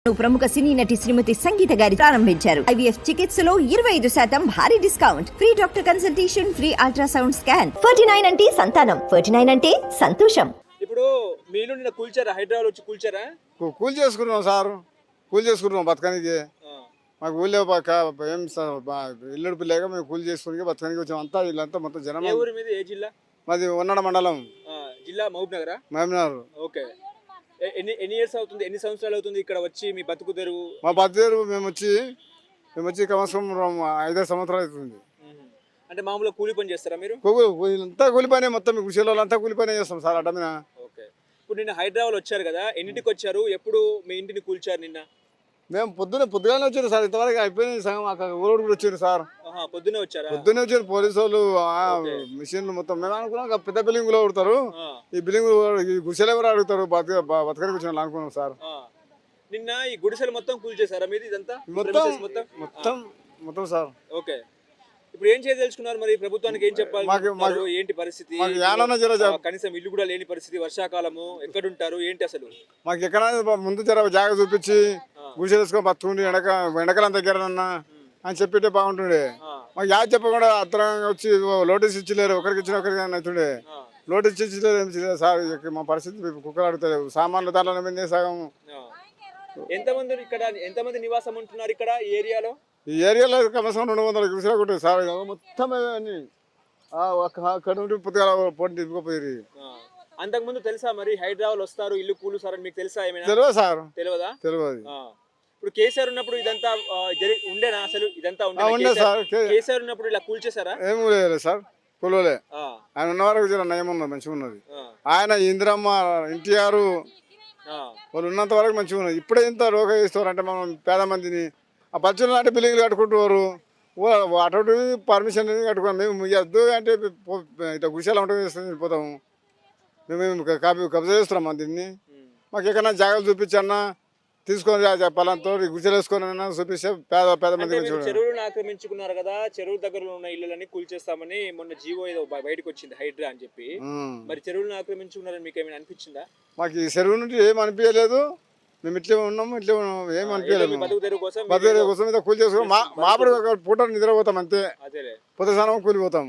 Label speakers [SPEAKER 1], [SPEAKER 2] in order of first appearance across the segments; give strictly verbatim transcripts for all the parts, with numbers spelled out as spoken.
[SPEAKER 1] ప్రముఖ సినీ నటి శ్రీమతి సంగీత గారి ప్రారంభించారు. ఐవీఎఫ్ చికిత్సలో ఇరవై ఐదు శాతం భారీ discount, free doctor consultation, free ultrasound scan. Forty nine అంటే సంతానం, ఫార్టీ నైన్ అంటే సంతోషం.
[SPEAKER 2] ఇప్పుడు మీలో నిన్న కూల్చారా? హైదరాబాద్ వచ్చి కూల్చారా?
[SPEAKER 3] కూల్ చేసుకున్నాం సార్, కూల్ చేసుకున్నాం బతకానికి. మాకు ఊళ్ళో ఏం ఇల్లుడు పిల్లగా మేము కూల్ చేసుకుని బతకానికి వచ్చాం. అంతా వీళ్ళంతా మొత్తం జనం.
[SPEAKER 2] ఏ ఊరి మీద? ఏ జిల్లా?
[SPEAKER 3] మాది ఉన్నడ మండలం.
[SPEAKER 2] జిల్లా మహబూబ్ నగరా?
[SPEAKER 3] మహబూబ్ నగర్.
[SPEAKER 2] ఓకే. ఎన్ని ఎన్ని ఇయర్స్ అవుతుంది, ఎన్ని సంవత్సరాలు అవుతుంది ఇక్కడ వచ్చి మీ బతుకు తెరువు?
[SPEAKER 3] మా బతుకు తెరువు మేము వచ్చి మేము వచ్చి కమసం ఐదారు సంవత్సరాలు అవుతుంది.
[SPEAKER 2] అంటే మామూలుగా కూలి పని చేస్తారా మీరు?
[SPEAKER 3] అంతా కూలి పని, మొత్తం కృషిలో అంతా కూలి పని చేస్తాం సార్ అడ్డమిన.
[SPEAKER 2] ఓకే. ఇప్పుడు నిన్న హైదరాబాద్ వచ్చారు కదా, ఎన్నింటికి వచ్చారు? ఎప్పుడు మీ ఇంటిని కూల్చారు నిన్న?
[SPEAKER 3] మేము పొద్దున్నే పొద్దుగానే వచ్చారు సార్, ఇంతవరకు అయిపోయింది సగం. ఊరోడు కూడా వచ్చారు సార్.
[SPEAKER 2] పొద్దున్నే వచ్చారా?
[SPEAKER 3] పొద్దున్నే వచ్చారు పోలీసు వాళ్ళు, మిషన్లు మొత్తం. మేము అనుకున్నాం పెద్ద బిల్డింగ్ లో అడుగుతారు, ఈ బిల్డింగ్ గుడిసెలు ఎవరు అడుగుతారు, బతకడానికి వచ్చిన అనుకున్నాం సార్.
[SPEAKER 2] నిన్న ఈ గుడిసెలు మొత్తం కూల్చేసారా మీది? ఇదంతా
[SPEAKER 3] మొత్తం మొత్తం మొత్తం సార్.
[SPEAKER 2] ఓకే. ఇప్పుడు ఏం చేయదలుచుకున్నారు మరి? ప్రభుత్వానికి ఏం చెప్పాలి? ఏంటి పరిస్థితి? కనీసం ఇల్లు కూడా లేని పరిస్థితి, వర్షాకాలము, ఎక్కడుంటారు ఏంటి అసలు?
[SPEAKER 3] మాకు ఎక్కడ ముందు జర జాగ చూపించి గుడిసెలు వేసుకొని బతుకుండి ఎండక ఎండకాలం దగ్గర అని చెప్పితే బాగుంటుండే. మాకు యాద చెప్పకుండా అత్తరంగా వచ్చి నోటీస్ ఇచ్చలేరు, ఒకరికి ఇచ్చిన ఒకరికి అవుతుండే. నోటీస్ ఇచ్చలేరు, ఏం చేయలేదు సార్. మా పరిస్థితి కుక్కలు అడుగుతలేవు, సామాన్లు దాంట్లో మీద సగం.
[SPEAKER 2] ఎంతమంది ఇక్కడ ఎంతమంది నివాసం ఉంటున్నారు ఇక్కడ ఈ ఏరియాలో?
[SPEAKER 3] ఈ ఏరియాలో కనీసం రెండు వందల గుడిసెలు కొట్టారు సార్. మొత్తం అన్ని అక్కడ నుండి పొద్దుగా పోటీ తీసుకుపోయి.
[SPEAKER 2] అంతకుముందు తెలుసా మరి హైదరాబాద్ వస్తారు ఇల్లు కూలుస్తారని మీకు తెలుసా? ఏమైనా
[SPEAKER 3] తెలియదు సార్.
[SPEAKER 2] తెలియదా?
[SPEAKER 3] తెలియదు.
[SPEAKER 2] ఇప్పుడు కేసీఆర్ ఉన్నప్పుడు ఇదంతా ఉండేనా అసలు? ఇదంతా
[SPEAKER 3] ఉండే సార్.
[SPEAKER 2] కేసీఆర్ ఉన్నప్పుడు ఇలా కూల్చేసారా?
[SPEAKER 3] ఏం లేదు సార్, కూలలే. ఆయన ఉన్న వరకు నయం ఉన్నది, మంచిగా ఉన్నది. ఆయన ఇందిరమ్మ, ఎన్టీఆర్ వాళ్ళు ఉన్నంత వరకు మంచిగా ఉన్నది. ఇప్పుడే ఇంత రోగ ఇస్తారు అంటే మనం పేద మందిని ఆ పచ్చళ్ళు అంటే బిల్డింగ్లు కట్టుకుంటున్నారు, అటు పర్మిషన్ కట్టుకున్నాం. మేము వద్దు అంటే ఇట్లా గుడిసెలు ఉంటుంది వెళ్ళిపోతాము. మేము కాపీ కబ్జా చేస్తున్నాం దీన్ని. మాకు ఎక్కడన్నా జాగ్రత్త చూపించన్నా తీసుకొని పలాంతో గుడిసెలు వేసుకొని చూపిస్తే పేద పేద మంది.
[SPEAKER 2] చెరువులను ఆక్రమించుకున్నారు కదా, చెరువు దగ్గర ఉన్న ఇళ్ళని కూల్చేస్తామని మొన్న జీవో ఏదో బయటకు వచ్చింది, హైడ్రా అని చెప్పి. మరి చెరువులను ఆక్రమించుకున్నారని మీకు ఏమైనా అనిపించిందా?
[SPEAKER 3] మాకు ఈ చెరువు నుండి ఏం అనిపించలేదు. మేము ఇట్లే ఉన్నాము, ఇట్లే ఉన్నాము, ఏం అనిపించలేదు.
[SPEAKER 2] బతుకు తెరువు కోసం
[SPEAKER 3] బతుకు తెరువు కోసం మీద కూలి చేసుకుని మా మాపడి పూట నిద్రపోతాం అంతే. పొద్దు స్నానం కూలిపోతాం.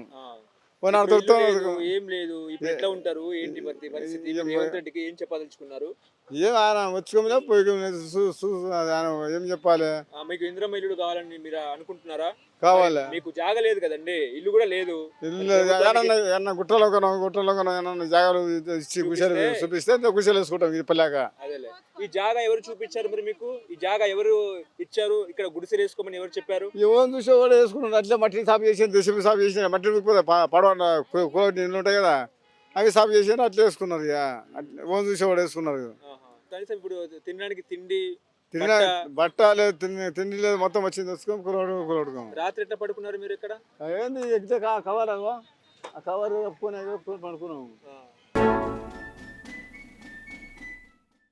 [SPEAKER 2] ఏం లేదు. ఇప్పుడు ఎట్లా ఉంటారు ఏంటి పరిస్థితి? రేవంత్ రెడ్డికి ఏం చెప్పదలుచుకున్నారు?
[SPEAKER 3] ఏం ఆయన వచ్చుకోమలే పోయి ఏం చెప్పాలి?
[SPEAKER 2] మీకు ఇందిరమ్మ ఇల్లు కావాలని మీరు అనుకుంటున్నారా?
[SPEAKER 3] కావాలి.
[SPEAKER 2] మీకు జాగ లేదు కదండి, ఇల్లు కూడా లేదు.
[SPEAKER 3] ఇల్లు గుట్టలో కొనం, గుట్టలో కొనం జాగాలు ఇచ్చి గుడిసెలు చూపిస్తే గుడిసెలు వేసుకుంటాం. ఇది పల్లాక
[SPEAKER 2] అదేలే. ఈ జాగా ఎవరు చూపించారు మరి మీకు? ఈ జాగా ఎవరు ఇచ్చారు? ఇక్కడ గుడిసెలు వేసుకోమని ఎవరు చెప్పారు?
[SPEAKER 3] ఎవరు చూసే కూడా వేసుకున్నాడు. అట్లా మట్టి సాపు చేసి దశమి సాపు చేసిన మట్టి పడవ నీళ్ళు ఉంటాయి కదా, అవి సాపు చేసి అట్లా వేసుకున్నారు. ఇక ఓన్ చూసేవాడు వేసుకున్నారు.
[SPEAKER 2] కనీసం ఇప్పుడు తినడానికి తిండి
[SPEAKER 3] తిన్న బట్ట లేదు, తిండి తిండి లేదు, మొత్తం వచ్చింది తెచ్చుకోం కులవడు కులవడుకో.
[SPEAKER 2] రాత్రి ఎట్లా పడుకున్నారు మీరు ఇక్కడ?
[SPEAKER 3] ఏంది ఎగ్జాక్ట్ కవర్ ఆ కవర్ కప్పుకొని పడుకున్నాము.